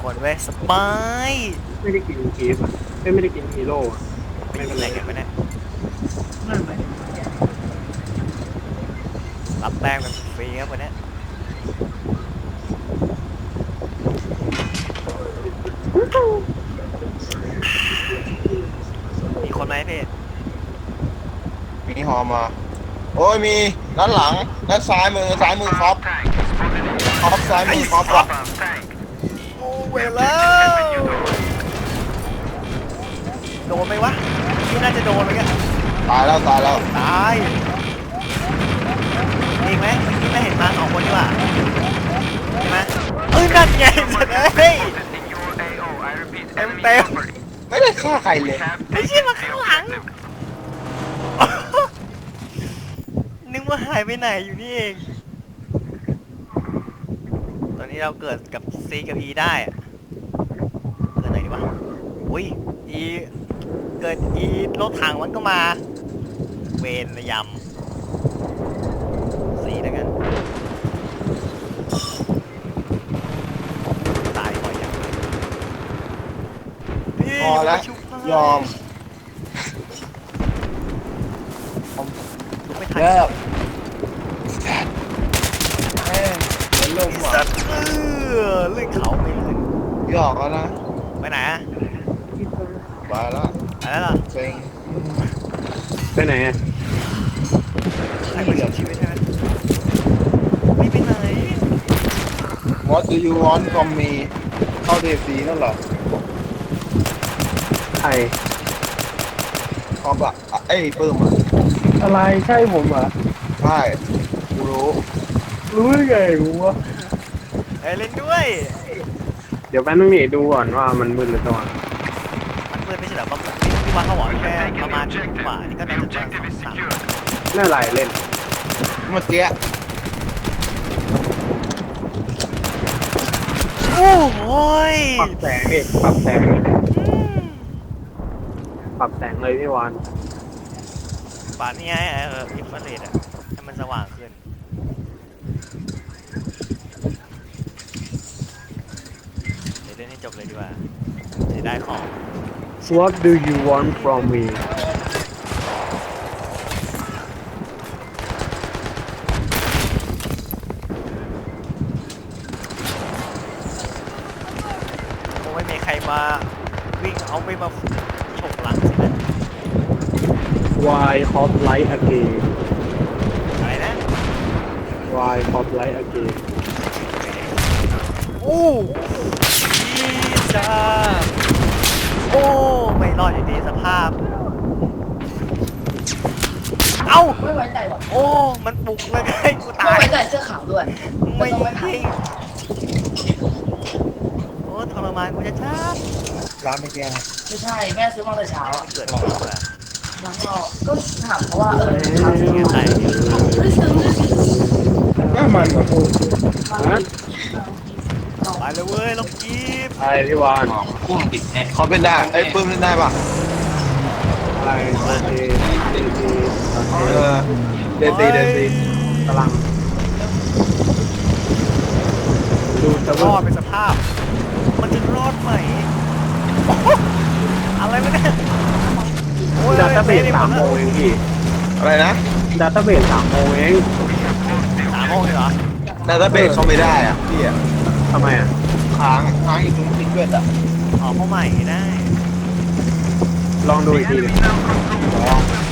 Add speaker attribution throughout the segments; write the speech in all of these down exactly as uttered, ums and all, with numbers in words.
Speaker 1: คนเว้ยสบาย
Speaker 2: ไม่ได้กินคีฟอ่ะไม่ไม่ได้กินฮีโร่อะไม่
Speaker 1: ไม่
Speaker 2: เป็
Speaker 1: เป็น น
Speaker 2: ไร
Speaker 1: ไรกันวะเนี่ยรับแป้งแบบฟรีครับวันเนี้ยมีคนไหมพี่
Speaker 3: มีฮอมาโอ้ยมีด้านหลังด้านซ้ายมือซ้ายมือครอปครอปซ้ายมือครอปอ่ะ
Speaker 1: โอ้เวลแล้วโดนไหมวะที่น่าจะโดนเหมือนกัน
Speaker 3: ตายแล้วตายแล้ว
Speaker 1: ตายอีกไหมที่ไม่เห็นมาสองคนดีกว่าใช่ไหมเอ้ยนั่นไงสัตว์เอ้ยเต็มเต็ม
Speaker 3: ไม่ได้ฆ่าใครเลย
Speaker 1: ไอ้เชี่ยมาข้างหลังนึกว่าหายไปไหนอยู่นี่เองตอนนี้เราเกิดกับ C กับ E ได้อะเกิดไหนดีวะอุ้ย E เกิด E รถถังมันก็มาเวนระยำ C แล้วกันตายบ่อยจังพี่
Speaker 3: พอแล้ว
Speaker 1: ชุบให้
Speaker 3: ยอม
Speaker 1: ไม่ทัน
Speaker 3: เลิกแม่งเป็นลม
Speaker 1: สั
Speaker 3: อ่ะ
Speaker 1: ตว์เออเลื่อนเขาไม่ลื่น
Speaker 3: หยอกแล้วนะ
Speaker 1: ไปไหนอะ
Speaker 3: ไปแล้ว
Speaker 1: ไปแล้วเหรอ
Speaker 3: เซ็ง
Speaker 2: ไปไหนอ่ะ
Speaker 1: ใครมาเสียชีวิตใช่ไหมไม่ไปไหน
Speaker 3: What do you want from me เข้าเดซีนั่นเหรอ
Speaker 2: ใคร
Speaker 3: ครอปอ่ะอ่ะเอ้ยปื้มอ่ะ
Speaker 2: อะไรใช่ผมเหรอ
Speaker 3: ใช่กูรู้
Speaker 2: รู้ได้ไงกูวะ
Speaker 1: เอ้ยเล่นด้วย
Speaker 2: เดี๋ยวแป๊บนึงนี่ดูก่อนว่ามันมืดหรือสว่าง
Speaker 1: มันมืดไม่ใช่เหรอว่าที่วันเขาบอกแค่ประมาณทุ่มกว่านี่ก็น่าจะประมาณสาม
Speaker 2: น่าไรเล่น
Speaker 3: เมื่อกี้
Speaker 1: โอ้โหย
Speaker 2: ปรับแสงเอกปรับแสงปรับแสงเลยพี่วาน
Speaker 1: ป่านนี้ไงเอออินฟราเรดอะให้มันสว่างขึ้นเดี๋ยวเล่นให้จบเลยดีกว่าจะได้ของ
Speaker 2: What do you want from me
Speaker 1: คงไม่มีใครมาวิ่งเอาไม่มาฉกหลังสินะ
Speaker 2: Why hot light again
Speaker 1: อะไรนะ
Speaker 2: Why hot light again
Speaker 1: โอ้ยีจ้าโอ้ไม่รอดอยู่ดีสภาพ เอ้า
Speaker 4: ไม่ไว้ใจว่ะ
Speaker 1: โอ้มันปลุกเลยไงกู
Speaker 4: ไม่
Speaker 1: ตาย
Speaker 4: ไว้ใจเสื้อขาวด้วย
Speaker 1: ไม่
Speaker 4: ต้องไม่
Speaker 1: จ
Speaker 4: ผ่า
Speaker 1: ริ
Speaker 4: น
Speaker 1: งโอ้ทรมานกูจะชัด
Speaker 3: ร้านเมื่อกี้นะ
Speaker 4: ไม่ใช่แม่ซื้อมาแต่เช้าอะ
Speaker 1: เกิดอะไรขึ้นอะ
Speaker 4: แล้วก็ก็ถามเขาว่าเออขาว
Speaker 1: เงี้ยใคร
Speaker 4: ไม่ซื้อไม่ซื้อ
Speaker 3: น่ามันกว่ากู
Speaker 2: ฮะ
Speaker 1: ไปเลยเว้ยลองกีบ
Speaker 2: อะไรพี่วาน
Speaker 3: เขาเป็นได้ไอ้ยปื้มเล่นได้ปะ
Speaker 2: อะไรโอเค
Speaker 3: เออเดซีเดซี
Speaker 2: กำลังดูจะ
Speaker 1: ร
Speaker 2: ว่า
Speaker 1: อดเป็นสภาพ มันจะรอดไหมโอ้โหอะไรวะเนี่ยโอ้ย
Speaker 2: ดัตต้าเบสสามโมงเองพี่
Speaker 3: อะไรนะ
Speaker 2: ดัตต้าเบสสามโมงเอง
Speaker 1: สามโมงเลยเหรอ
Speaker 3: แต่ถ้าเบรกเขาไม่ได้อ่ะพี่อ่ะ
Speaker 2: ทำไมอ่ะ
Speaker 3: ค้างค้างอยู่ตรงทิกเกอร์อ่ะ
Speaker 1: ออกเข้าใหม่ได้
Speaker 2: ลองดูอีกทีหนึง
Speaker 3: ลอง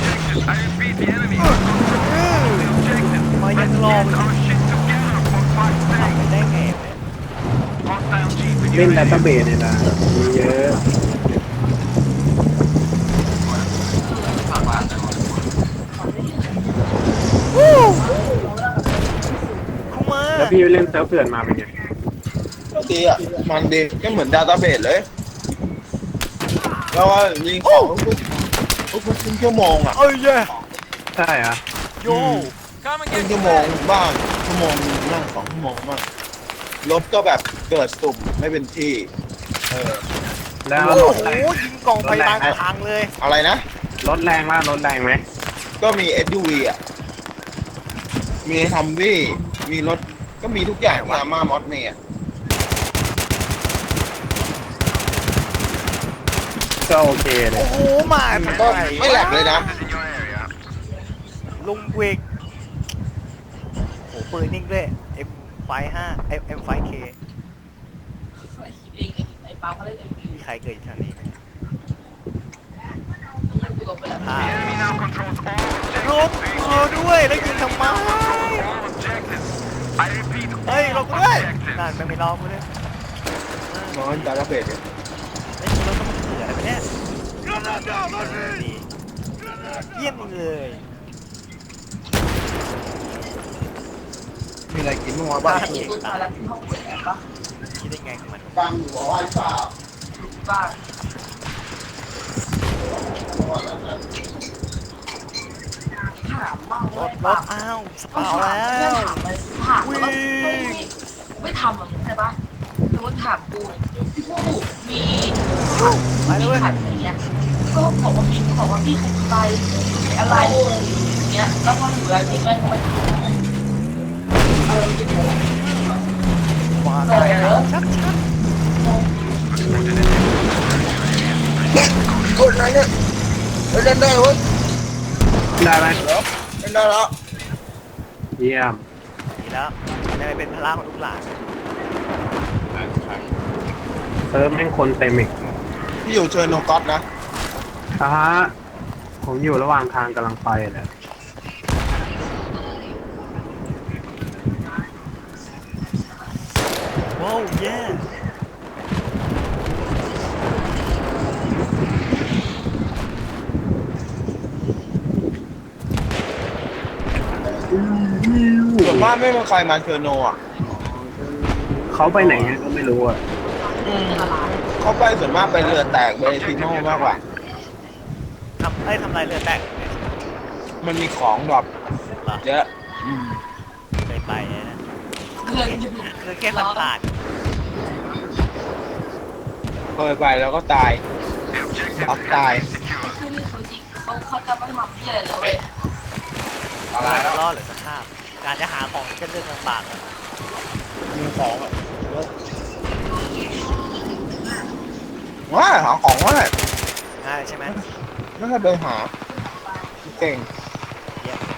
Speaker 1: มายังลองทำไปได้ไงเนี่ย
Speaker 2: เล่นดัตต้าเบสเนี่ยนะมีเยอะ
Speaker 1: คุ้มมา
Speaker 2: แล้วพี่เล่นเซิร์ฟเถื่อนมาเป็นไง
Speaker 3: ก็ดีอ่ะมันดีก็เหมือนดาต้าเบสเลย แล้วว่ายิงของทุกทุกทุกครึ่งชั่วโมงอ่ะ
Speaker 1: เอ้ยเย่
Speaker 2: ใช่อ่ะ
Speaker 1: โย
Speaker 3: ครึ่งชั่วโมงบ้างชั่วโมงนึงบ้างสองชั่วโมงบ้างรถก็แบบเกิดสุ่มไม่เป็นที่เออ
Speaker 2: แล้ว
Speaker 1: โอ้
Speaker 2: ร
Speaker 1: โห
Speaker 2: ถแรง
Speaker 1: ยิงกล่องไปบางทางเลย
Speaker 3: อะไรนะ
Speaker 2: รถแรงล่ะรถแรงไหม
Speaker 3: ก็มี เอส ยู วี อ่ะ มีทัมวี่มีรถ ก็มีทุกอย่างมามามอสเมย์
Speaker 2: ก็โอเคเลย
Speaker 1: โอ้โหมา
Speaker 3: ก็ไม่แหลกเลยนะ
Speaker 1: ลุงเวกโอ้โหปืนนิ่งด้วย เอ็ม ไฟว์ ห้า เอ็ม ไฟว์ เค
Speaker 4: ไอ้ปั๊มเขาเล่นเอ็มพี
Speaker 1: มีใครเกิดอยู่แถวนี้ไหม
Speaker 4: อยู่กับเปิด
Speaker 1: อ่าลุกเออด้วยแล้วยิงทำไมเฮ้ยลงกูด้วยนั่นมันไม่รอกูด้วย
Speaker 3: นอนดาตาเบสเนี่ย
Speaker 1: ไอ้ยรถต้องมาเสืออะไรวะเนี่ยดีเยี่ยมเลย
Speaker 3: มีอะไรกินบ้างวะบ้าง
Speaker 4: ที่ตุ๊ดมาแล้วที่ห้องเปิดแอร์ปะ
Speaker 1: คิดได้ไงของมัน
Speaker 3: บ้างอยู่หรอไอ้สาว
Speaker 4: บ้างถามบ้าง
Speaker 1: ร
Speaker 4: ว่า
Speaker 1: ถรถอ้าวสปาวแล้ว
Speaker 4: ถามไปถามแล้วไม่ไม่ทำหรอกใช่ปะสมมติถามกูพี่ผู้มี
Speaker 1: ไปเลยเว้ย
Speaker 4: ขัดอะไรเงี้ยก็บอกว่าพี่บอกว่าพี่ขัดไปอะไรอย่างเงี้ยแล้วพอถึงเวลาจริงมันมันเออจริง
Speaker 1: มาแล้วชักชัก
Speaker 3: โอ้ยนั่นเนี่ยเล่นได้เว้ย
Speaker 2: ได้ไหม
Speaker 3: เล่นได้แล้ว
Speaker 2: เยี่ยม
Speaker 1: ดีแล้วจะได้เป็นพลังของลูกหลาน
Speaker 2: เซิร์ฟแม่งคนเต็มอีก
Speaker 3: พี่อยู่เชิญโนก๊อตนะ
Speaker 2: อ่ะฮะผมอยู่ระหว่างทางกำลังไปเลย
Speaker 1: ว้าวเย้
Speaker 3: ส่วนมากไม่มีใครมาเชิญโนอ่ะ
Speaker 2: เขาไปไหนก็ไม่รู้อ่ะ
Speaker 3: เขาไปส่วนมากไปเรือแตกไปซีโน่มากกว่า
Speaker 1: ทำไอ้ยทำลายเรือแตก
Speaker 3: มันมีของดรอป
Speaker 1: เหรอ
Speaker 3: เยอะอืม
Speaker 1: เคยไปนะ
Speaker 4: เพื่อนอยู่
Speaker 1: คือแค่ผ่านผ่าน
Speaker 3: เคยไปแล้วก็ตายอับตาย
Speaker 4: คือนี่เขาจริงเขาเขาจะไม่ทำที่อะไรเลยเว้ย
Speaker 3: อะไรแล้ว
Speaker 1: รอดหรือสภาพ การจะหาของก็เรื่องลำบากนะ
Speaker 3: มีของอ่ะว้าหาของว่า
Speaker 1: ง่ายใช่ไหม
Speaker 3: ไม่เคยไปหาเก่ง
Speaker 1: เยี่ยม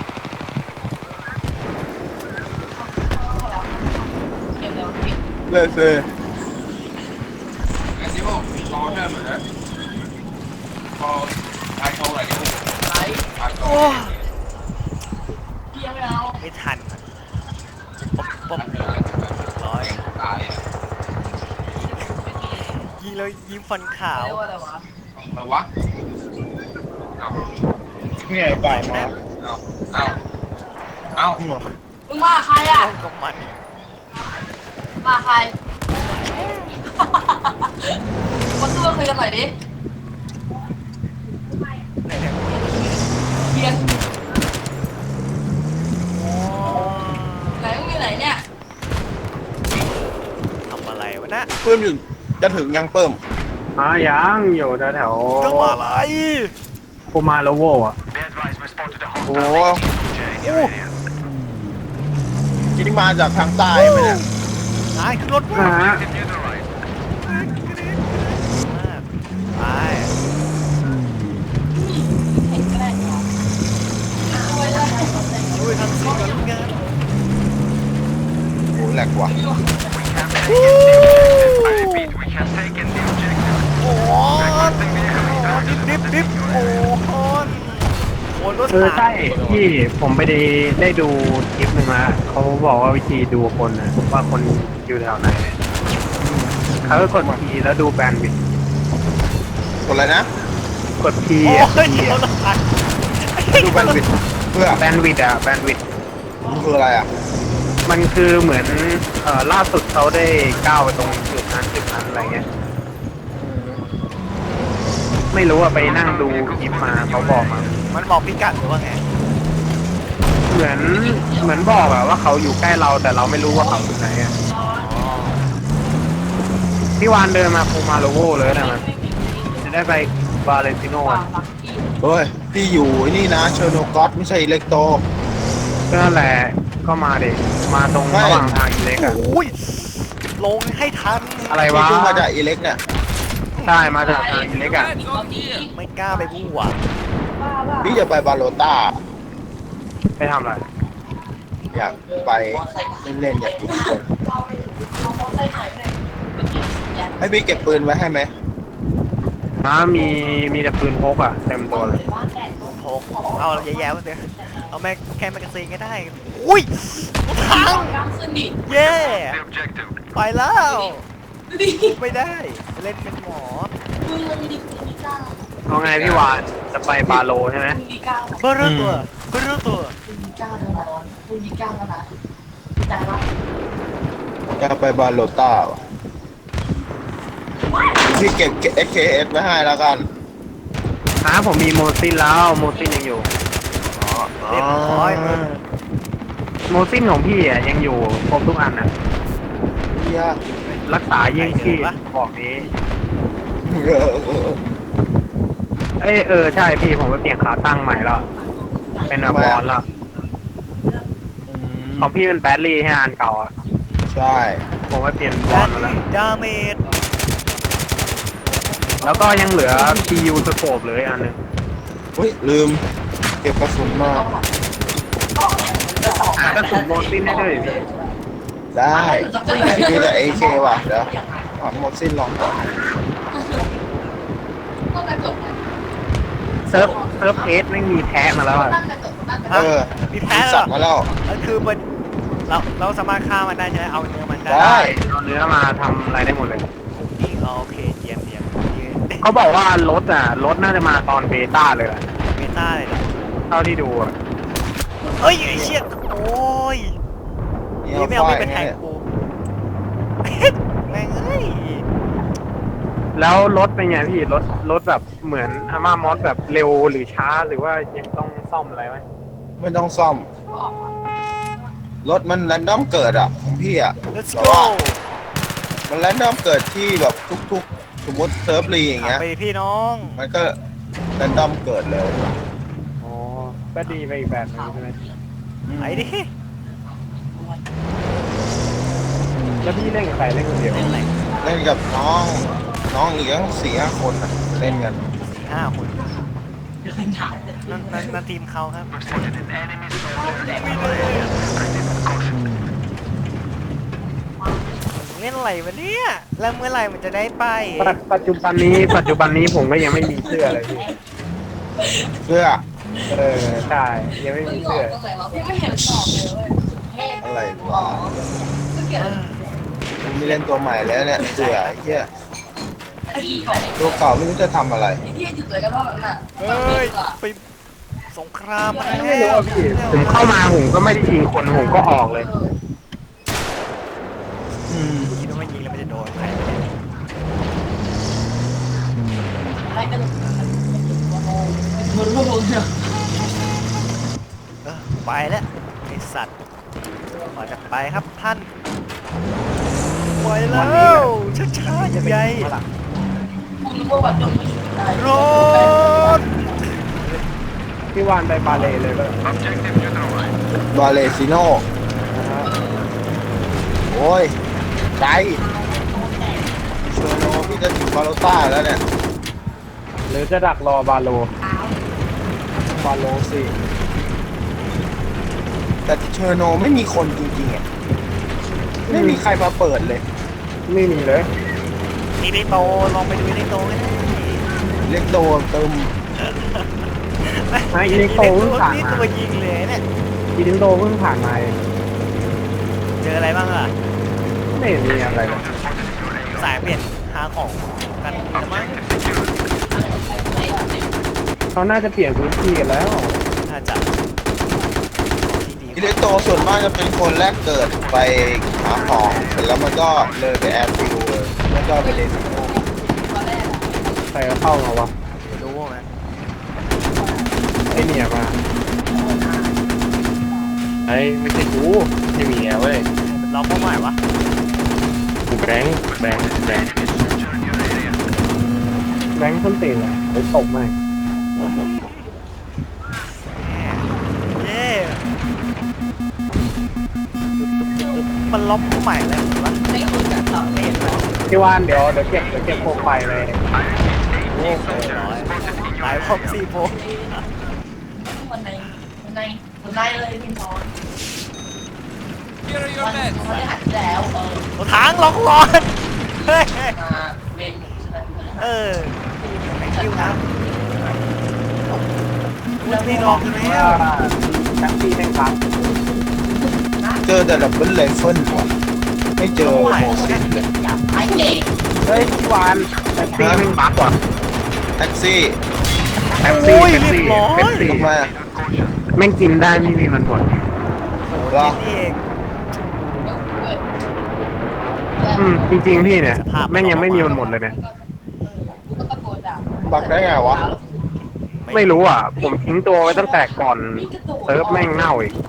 Speaker 4: เก็บแล้วพี่
Speaker 3: เลยเลย
Speaker 4: ไลฟ์
Speaker 1: โอ้
Speaker 4: พี่ยังไม่เอา
Speaker 1: ไม่ทันอะป๊บป๊บร้อยยิงแล้วยิ้มฟันขาว
Speaker 4: เรียกว่าอะไรวะ
Speaker 3: อะไรวะนี่ไงไปมาเอาเอาเอา
Speaker 4: มึงมาใครอ่ะ
Speaker 1: เอ้าก็มัน
Speaker 4: มาใครมาสู้กันคุยกันหน่อยดิ
Speaker 1: ไหนเนี่ย
Speaker 4: เพียน
Speaker 1: โอ้
Speaker 4: ไหนมึงอยู่ไหนเนี่ย
Speaker 1: ทำอะไรวะนะ
Speaker 3: เพิ่มอยู่จะถึงยังเพิ่ม
Speaker 2: อ่ะยังอยู่แถว
Speaker 1: ทำอะไร
Speaker 2: ๆปูมาโลโวอ่ะ
Speaker 3: โอ้โหที่มาจากทางใต้ไหมเนี่ย
Speaker 1: นายขึ้นรถ
Speaker 2: อ่ะ
Speaker 1: มา
Speaker 2: ฮะ
Speaker 1: ไป
Speaker 4: เห็นก็ได้เหรอช่วยได้ไหม
Speaker 1: ช่วยทำสิ่งกันกัน
Speaker 3: โอ้แหลกว่ะ
Speaker 1: โอ้ดิบดิบดิบโอ้คนโอ้รถ
Speaker 2: เออ
Speaker 1: ถัง
Speaker 2: ใช่ที่ผมไปได้ได้ดูคลิปหนึ่งมาเขาบอกว่าวิธีดูคนนะว่าคนอยู่แถวไหนเนี่ยเขาก็กดทีแล้วดูแบนด์วิดต์
Speaker 3: กดอะไรนะ
Speaker 2: กดที
Speaker 1: โอ้
Speaker 2: อ่ะ
Speaker 1: ย
Speaker 2: ที
Speaker 1: ร
Speaker 2: อ่ะ
Speaker 1: ถถัง
Speaker 3: ดูแบนด์วิดต์เพื่อ
Speaker 2: แบนด์วิดต์อ่ะแบนด์วิดต์
Speaker 3: มันคืออะไรอ่ะ
Speaker 2: มันคือเหมือนเอ่อล่าสุดเขาได้ก้าวไปตรงจุดนั้นจุดนั้นอะไรเงี้ยไม่รู้ว่าไปนั่งดูคลิปมาเขาบอกมา
Speaker 1: มันบอกพิกัดหรือว่าไง
Speaker 2: เหมือนเหมือนบอกอะว่าเขาอยู่ใกล้เราแต่เราไม่รู้ว่าเขาอยู่ไหนอะพี่วานเดินมาปูมาโลโวเลยนะมันจะได้ไปบาเลนติโน
Speaker 4: วา
Speaker 2: อะ
Speaker 4: งลักกี้
Speaker 3: เฮ้ยพี่อยู่ไอ้นี่นะเชอร์โนก๊อตไม่ใช่อิเล็กโต
Speaker 2: ก็นั่นแหละก็มาเด็กมาตรง
Speaker 3: ไม่
Speaker 2: ระหว่างทางอิเล็กอะ
Speaker 1: โอ้ยลงให้ทัน
Speaker 2: อะไร
Speaker 3: พี่
Speaker 2: วะ
Speaker 3: เพิ่งมาจากอิเล็กเนี่ย
Speaker 1: อื้อ
Speaker 2: ใช่มาจากทางเล็กอ่ะ
Speaker 1: ไม่กล้าไปบู้อ่ะ
Speaker 3: พี่จะไปบาโลต้า
Speaker 2: ไปทำอะไร
Speaker 3: อยากไปเล่นๆอยากกินคนให้พี่เก็บปืนไว้ให้ไหม
Speaker 2: น้ามีมีแต่ปืนพกอ่ะเต็มตัวเลย
Speaker 1: โผล่เอาแย่ๆมาเถอะเอาแม่แค่แมกกาซีนก็ได้ อุ้ยรถถัง
Speaker 4: กล้ามขึ้นดิ
Speaker 1: เย่ไปแล้วไม่ได้ เล่นเป็นหมอ
Speaker 4: มึงมึงดิมึงดิก้า
Speaker 2: เอาไงพี่วานจะไปบาโลใช่ไหม
Speaker 4: มึงดิก้า
Speaker 1: เบอร์เรื่องตัวเบอร์เรื่องตัว
Speaker 4: มึงดิก้าแล้วนะมึงดิก้าแล้วนะแต่ว่า
Speaker 3: อยากไปบาโลต้าวะพี่เก็บ เอส เค เอส ไว้ให้แล้วกัน
Speaker 2: น้าผมมีโมซินแล้วโมซินยังอยู่
Speaker 1: เรียบร้อย
Speaker 2: โมซินของพี่อ่ะยังอยู่ครบทุกอันอ่ะ
Speaker 3: เฮีย
Speaker 2: รักษายิ่งชีพบอกนี้
Speaker 3: เออเออ
Speaker 2: เอยเออใช่พี่ผมไปเปลี่ยนขาตั้งใหม่แล้ว เป็นแบบบอลแล้วของพี่เป็นแบตลี่ให้อันเก่าอ่ะ
Speaker 3: ใช่
Speaker 2: ผมไปเปลี่ยนบ
Speaker 1: ดา
Speaker 2: อลมาแล้ว
Speaker 1: ดาเมจ
Speaker 2: แล้วก็ยังเหลือ พี ยู สโคปเหลยอันหนึง
Speaker 3: เฮ้ยลืม เก็บกระสุนมา
Speaker 2: หากระสุนโมซินให้ด้วยพี่
Speaker 3: ได้มีแต่ เอ เค ว่ะเดี๋ยวเอาหมดสิ้นลองก่อน
Speaker 4: ต้องกระจกนะ
Speaker 2: เซิร์ฟเซิร์ฟเอสไม่มีแพ้มาแล้วอะ
Speaker 4: ตั้งกระจกตั้งกระจ
Speaker 3: เอก อ
Speaker 1: มีแพ้เหร
Speaker 3: สั
Speaker 1: อ
Speaker 3: ตว์มาแล้ว
Speaker 1: นั่นคือมันเราเราสามารถฆ่ามันได้ใช่ไหมเอาเนื้อมันได้
Speaker 3: ได้
Speaker 2: เอาเนื้อมาทำอะไรได้หมดเลย
Speaker 1: นี่โอเคเยี่ยมเยี่ยมเยี่ยม
Speaker 2: เขาบอกว่ารถอ่ะรถน่าจะมาตอนเบต้าเลยแหละ
Speaker 1: เมตาเลยเหรอ
Speaker 2: เท่าที่ดูอะ
Speaker 1: เอ้ยไอ้เชี่ยโอ้ย
Speaker 3: นี่
Speaker 1: นี่ไม่เอา
Speaker 3: ไฟ
Speaker 1: ไม่เป็นแทงกู แม่งเอ้ย
Speaker 2: แล้วรถเป็นไงพี่รถรถแบบเหมือนอาม่ามอสแบบเร็วหรือช้าหรือว่ายังต้องซ่อมอะไรไหม
Speaker 3: ไม่ต้องซ่อม รถมันแรนดอมเกิดอ่ะของพี่อ่ะ
Speaker 1: let's
Speaker 3: แต่
Speaker 1: go
Speaker 3: ว่ามันแรนดอมเกิดที่แบบทุกๆ สมมติเซิร์ฟรีอย่างเงี้ย
Speaker 1: ไปพี่น้อง
Speaker 3: มันก็แรนดอมเกิดเลย
Speaker 2: อ๋อก็ดีไปอีกแบบนึงใช่ไหม
Speaker 1: ไอ้ดิ
Speaker 2: แล้วพี่เล่นกับใครเล่นคนเดียว
Speaker 1: เล่นอะไร
Speaker 3: เล่นกับน้อง น้องอีกตั้งสี่ห้าคนอ่ะ เล่นกัน
Speaker 1: สี่ห้าคนนั่นนั่นนั่นทีมเขาครับเล่นอะไรวะเนี่ยแล้วเมื่อไหร่มันจะได้ไป
Speaker 2: ปัจปัจจุบันนี้ปัจจุบันนี้ผมก็ยังไม่มีเสื้อเลยพี่
Speaker 3: เสื้อ
Speaker 2: เออใช่ยังไม่
Speaker 4: มึ
Speaker 2: มี
Speaker 4: งหลอ
Speaker 2: เสื้อก
Speaker 4: ตรงไหนวะพี่ไม่เห็นหลอกเลยเว้ย
Speaker 3: อะไรวะ
Speaker 4: ซึ่งเกี่ยว
Speaker 3: มันมีเล่นตัวใหม่แล้วเนี่ย เสื้อไอ้เหี้ย
Speaker 4: ไอ้ที่ของ
Speaker 3: ตัวเก่าไม่รู้จะทำอะไร
Speaker 4: ไอ้ที่อยู่เลยกันว่าแบบนั้น
Speaker 1: เฮ้ยไปสงครามมา
Speaker 2: ไม่
Speaker 1: แล้
Speaker 2: รู้
Speaker 1: ว
Speaker 2: อะพี่ผมเข้ามาผมก็ไม่ได้ยิงคนผมก็ออกเลย
Speaker 3: อืม
Speaker 1: คิดว่ามันยิงแล้วมันจะโดนใคร
Speaker 4: อะไรกันมันรู้รู้เนี่ย
Speaker 1: เออไปแล้วไอสัตว์ขอจะไปครับท่านไปแล้วช้าๆใหญ่
Speaker 4: คุณรู้ว่าแบบจบไม่ได้
Speaker 1: ๆรถ
Speaker 2: พี่วานไปบาเลเลยก็
Speaker 3: บาเลซิโนโอ้ยไกลเชอร์โนพี่จะถึงบาโลต้าแล้วเนี่ย
Speaker 2: หรือจะดักรอบาโลบาโลสิ
Speaker 3: แต่เชอร์โนไม่มีคนจริงๆอ่ะ ไม่มีใครมาเปิดเลย
Speaker 2: ไม่มีเลย
Speaker 1: นี่ลิโตลองไปดูลิโตก็ได้
Speaker 3: เล็กโดนเติม
Speaker 2: ไอ้ลิโตเพิ่งผ่าน
Speaker 1: นี่
Speaker 2: มา
Speaker 1: ตัวยิงเลยเนี่ย
Speaker 2: อีลิโตเพิ่งผ่านมาเอง
Speaker 1: เจออะไรบ้างล่ะ
Speaker 2: ไม่มีอะไรเลย
Speaker 1: สายเปลี่ยนหาของกันแล้วมั้ง
Speaker 2: เขาน่าจะเปลี่ยนพื้นที่กันแล้ว
Speaker 1: ถ้าจะดี
Speaker 3: อิเล็กโตส่วนมากจะเป็นคนแรกเกิดไปหาของเสร็จแล้วมันก็เลยไปแอดฟิวเลยแล้วก็ไปเลนซิโน
Speaker 2: ใครเข้ามาวะ
Speaker 1: ๆรู้ไหม
Speaker 2: ไอเนี่ยมา
Speaker 5: ไอ้ไม่ใช่กูไม่มีอะเว้ย
Speaker 1: เราเป้าหมายวะ
Speaker 5: กูแบงค์แบงค์แบงค์
Speaker 2: แบงค์ส้นตีนเลยไปตบไหม
Speaker 1: เย้มันล็อกเป้าหมายอะไรวะ
Speaker 4: ไม่คุยกันหรอก
Speaker 1: ไม่เห็นเลย
Speaker 2: พี่วานเดี๋ยวเดี๋ยวเก็บเดี๋ยวเก็บโคมไฟเลย
Speaker 1: โอ้โหร้อยตายพร้อมสี่โพ
Speaker 4: คนในคนในคนในเลยพี่น้องวันเขาได้หัดแล้วเออ
Speaker 1: รถถังล็อกร้อนเฮ้ย
Speaker 4: มาเวนใช่ไหม
Speaker 1: เออแข่งคิวนะคุณพี่ล็อกแล้ว
Speaker 2: แท็กซี่แม่งครับ
Speaker 3: เจอแต่ดับเบิลไรเฟิลว่ะไม่เจอโมซินเลย
Speaker 4: อยากไปเด็ก
Speaker 2: เฮ้ยพี่วานแท็กซี่แม่งบักว่ะ
Speaker 3: แท็กซี่
Speaker 2: แท็กซี่
Speaker 1: โอ้ย
Speaker 2: แท็ก
Speaker 1: เรีย
Speaker 2: ซี่
Speaker 1: บร้อย
Speaker 2: แท็กซี่
Speaker 3: ทำไมอะ
Speaker 2: แม่งกินได้ไม่มีมันหมด
Speaker 3: เหรอ
Speaker 1: นี่เอง
Speaker 2: อืมจริงๆพี่เนี่ยแม่งยังไม่มีมันหมดเลยเนี่ย
Speaker 4: ก็ตะโกนด่า
Speaker 3: บักได้ไงวะ
Speaker 2: ไม่รู้อ่ะ ผมทิ้งตัวไว้ตั้งแต่ก่อนเซิร์ฟแม่งเน่าอีก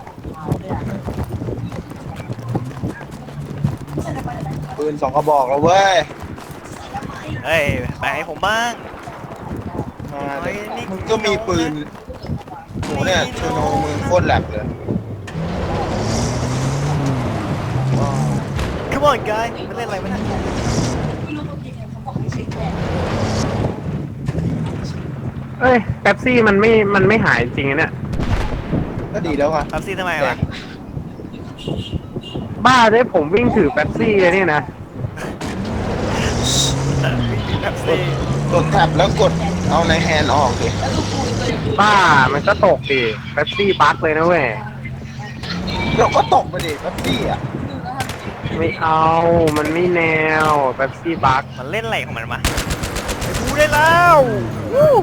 Speaker 3: ปืนสองกระบอกแล้วเว้ย
Speaker 1: เฮ้ยแบ่งให้ผมบ้าง
Speaker 3: มาดิมึงก็มีปืนโหเนี่ยชูโนมึงโคตรแหลกเลย
Speaker 1: Come on guy มันเล่นอะไรวะเนี่ย
Speaker 4: ไม่รู้ตัวจริงเขาบอกให้ใช้แขน
Speaker 2: เอ้ยแป๊บซี่มันไม่มันไม่หายจริงๆนะเนี่ย
Speaker 3: ก็ดีแล้วไง
Speaker 1: แป๊บซี่ทำไมวะ
Speaker 2: บ้าได้ผมวิ่งถือแป๊บซี่เลยเนี่ยนะ
Speaker 1: แป๊บซี่
Speaker 3: กดแท็บแล้วกดเอาในแฮนด์ออกดิ
Speaker 4: แล้วลูกคุยตัวอย่างอื่น
Speaker 2: บ้ามันก็ตกดิแป๊บซี่บั๊กเลยนะเว้ย
Speaker 3: เดี๋ยวก็ตกไปดิแป๊บซี่อ่ะ
Speaker 2: ไม่เอา มันไม่แนวแป๊บซี่บั๊ก
Speaker 1: มันเล่นอะไรของมันมาไปดูได้แล้ววู้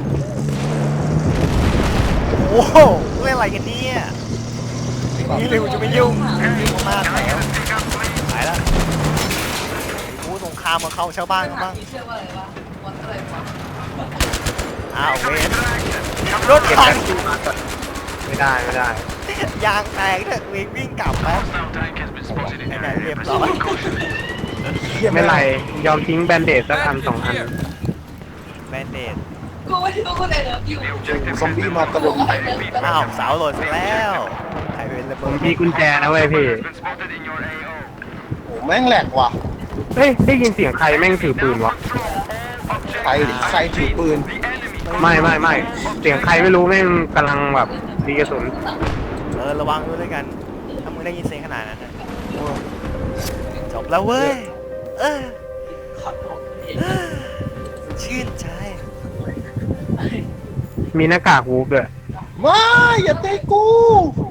Speaker 1: โอ้โหเล่นอะไรกันเนี่ยนี่เลยกูจะไม่ยุ่งยุ่งมากแล้วไปแล้วกูสงครามมาเข้าชาวบ้านกันบ้าง
Speaker 4: เชื่อว่าอะไรวะวันอะไรวะ
Speaker 1: อ้าวเวนรถ
Speaker 2: เก็บ
Speaker 1: พั
Speaker 2: แป๊
Speaker 1: ง
Speaker 2: บซี่บั๊กก่อนไม่ได้ไม่ได้
Speaker 1: ยางแตกเถอะเวนวิ่งกลับแป๊บไอ้ไหนเรียบร้อย
Speaker 2: ไม่ไรยอมทิ้งแบนเดดสักอันสองอัน
Speaker 1: แบนเดด
Speaker 4: กูไม่รู้กูแต่เลิฟอยู่
Speaker 3: ซอมบี้มาตะลุม
Speaker 1: อ้าวสาวโหลดไปแล้วใครเป็นระ
Speaker 2: ผ
Speaker 1: เบิ
Speaker 2: ม
Speaker 1: ด
Speaker 2: มีกุญแจนะเว้ยพี่
Speaker 3: โหแม่งแหลกว่ะ
Speaker 2: เฮ้ยได้ยินเสียงใครแม่งถือปืนวะ
Speaker 3: ใครใครถือปืน
Speaker 2: ไม่ไม่ไม่เสียงใครไม่รู้แม่งกำลังแบบมีกระสุน
Speaker 1: เออระวังด้วยกันถ้ามึงได้ยินเสียงขนาดนั้นนะจบแล้วเว้ยเออ
Speaker 4: ขอโทษเอง
Speaker 1: เออชื่นใจ
Speaker 2: มีหน้ากากวูฟด้วย
Speaker 3: ไม่อย่าเตะกู
Speaker 1: โอ้